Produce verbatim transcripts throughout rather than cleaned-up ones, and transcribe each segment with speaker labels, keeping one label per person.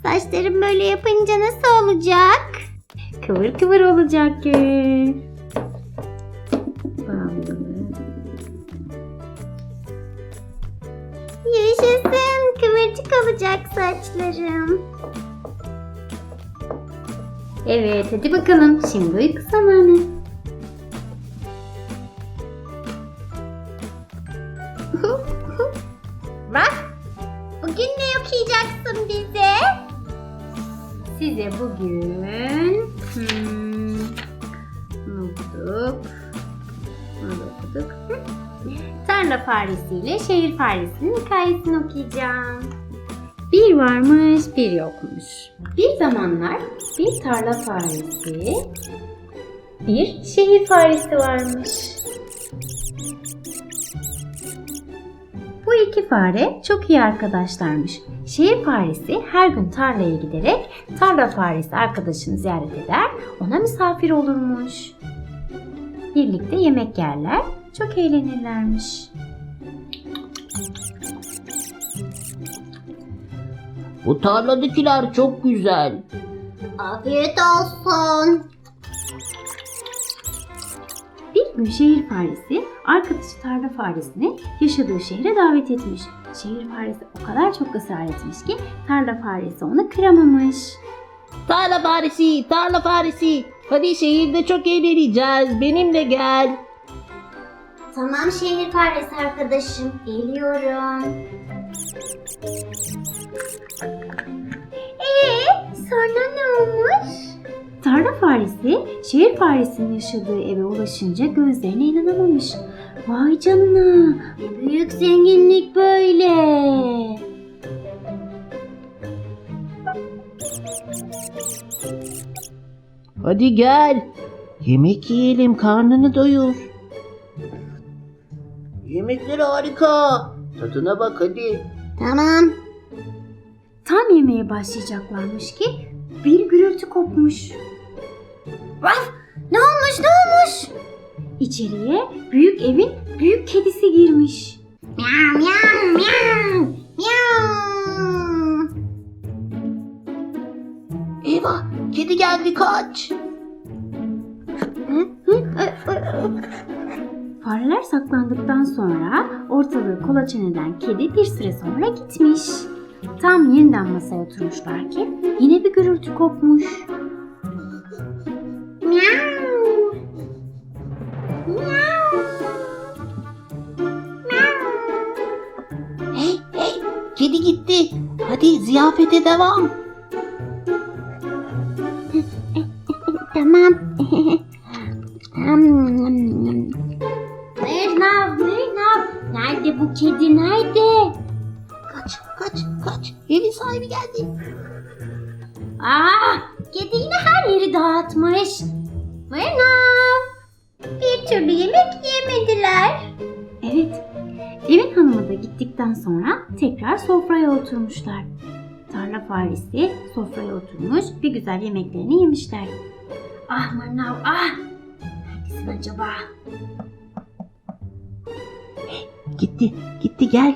Speaker 1: Saçlarım böyle yapınca nasıl olacak?
Speaker 2: Kıvır kıvır olacak Gül. Bağlı.
Speaker 1: Yaşasın, kıvırcık olacak saçlarım.
Speaker 2: Evet, hadi bakalım. Şimdi uyku zamanı.
Speaker 1: Bak, bugün ne okuyacaksın bize?
Speaker 2: Size bugün hmm, ne okuduk? Ne okuduk? Hı. Tarla faresi ile şehir faresinin hikayesini okuyacağım. Bir varmış, bir yokmuş. Bir zamanlar bir tarla faresi, bir şehir faresi varmış. Bu iki fare çok iyi arkadaşlarmış. Şehir faresi her gün tarlaya giderek tarla faresi arkadaşını ziyaret eder, ona misafir olurmuş. Birlikte yemek yerler, çok eğlenirlermiş.
Speaker 3: Bu tarladakiler çok güzel.
Speaker 1: Afiyet olsun.
Speaker 2: Bir gün şehir faresi arkadaşı tarla faresini yaşadığı şehre davet etmiş. Şehir faresi o kadar çok ısrar etmiş ki tarla faresi onu kıramamış.
Speaker 3: Tarla faresi, tarla faresi. Hadi şehirde çok eğleneceğiz. Benimle gel.
Speaker 1: Tamam şehir faresi arkadaşım, geliyorum. Ee, sonra ne olmuş?
Speaker 2: Tarla faresi şehir faresinin yaşadığı eve ulaşınca gözlerine inanamamış. Vay canına, ne büyük zenginlik böyle.
Speaker 3: Hadi gel. Yemek yiyelim, karnını doyur. Yemekler harika. Tadına bak hadi.
Speaker 1: Tamam.
Speaker 2: Tam yemeğe başlayacaklarmış ki bir gürültü kopmuş.
Speaker 1: Vaf, ne olmuş ne olmuş?
Speaker 2: İçeriye büyük evin büyük kedisi girmiş.
Speaker 1: Miau miau miau miau.
Speaker 3: Eyvah, kedi geldi, kaç.
Speaker 2: Fareler saklandıktan sonra ortalığı kolaçan eden kedi bir süre sonra gitmiş. Tam yeniden masaya oturmuşlar ki yine bir gürültü kopmuş.
Speaker 1: Miau. Miau.
Speaker 3: Hey hey, kedi gitti. Hadi ziyafete devam.
Speaker 1: Tamam. Mırnav, Mırnav. Nerede bu kedi, nerede?
Speaker 3: Kaç, kaç, kaç. Evin sahibi geldi.
Speaker 1: Aa, kedi yine her yeri dağıtmış. Mırnav. Bir türlü yemek yemediler.
Speaker 2: Evet, evin hanımı da gittikten sonra tekrar sofraya oturmuşlar. Tarla faresi sofraya oturmuş, bir güzel yemeklerini yemişler. Ah Mırnav, ah! Neredesin acaba?
Speaker 3: Gitti, gitti, gel.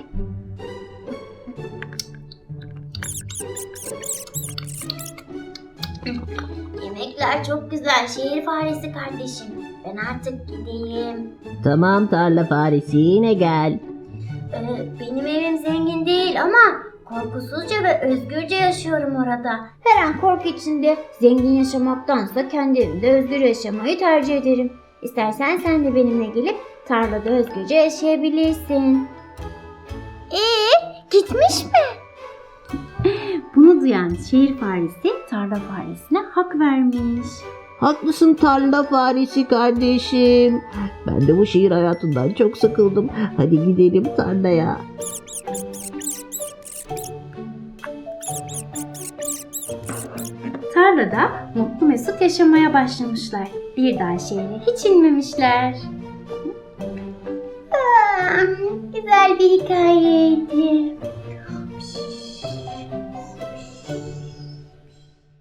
Speaker 1: Yemekler çok güzel şehir faresi kardeşim. Ben artık gideyim.
Speaker 3: Tamam tarla faresi, yine gel.
Speaker 1: Ee, benim evim zengin değil ama korkusuzca ve özgürce yaşıyorum orada. Her an korku içinde zengin yaşamaktansa kendi evimde özgür yaşamayı tercih ederim. İstersen sen de benimle gelip tarlada özgürce yaşayabilirsin. Ee, gitmiş mi?
Speaker 2: Bunu duyan şehir faresi tarla faresine hak vermiş.
Speaker 3: Haklısın tarla faresi kardeşim. Ben de bu şehir hayatından çok sıkıldım. Hadi gidelim tarlaya.
Speaker 2: Tarlada mutlu mesut yaşamaya başlamışlar. Bir daha şehre hiç inmemişler.
Speaker 1: Aa, güzel bir hikayeydi.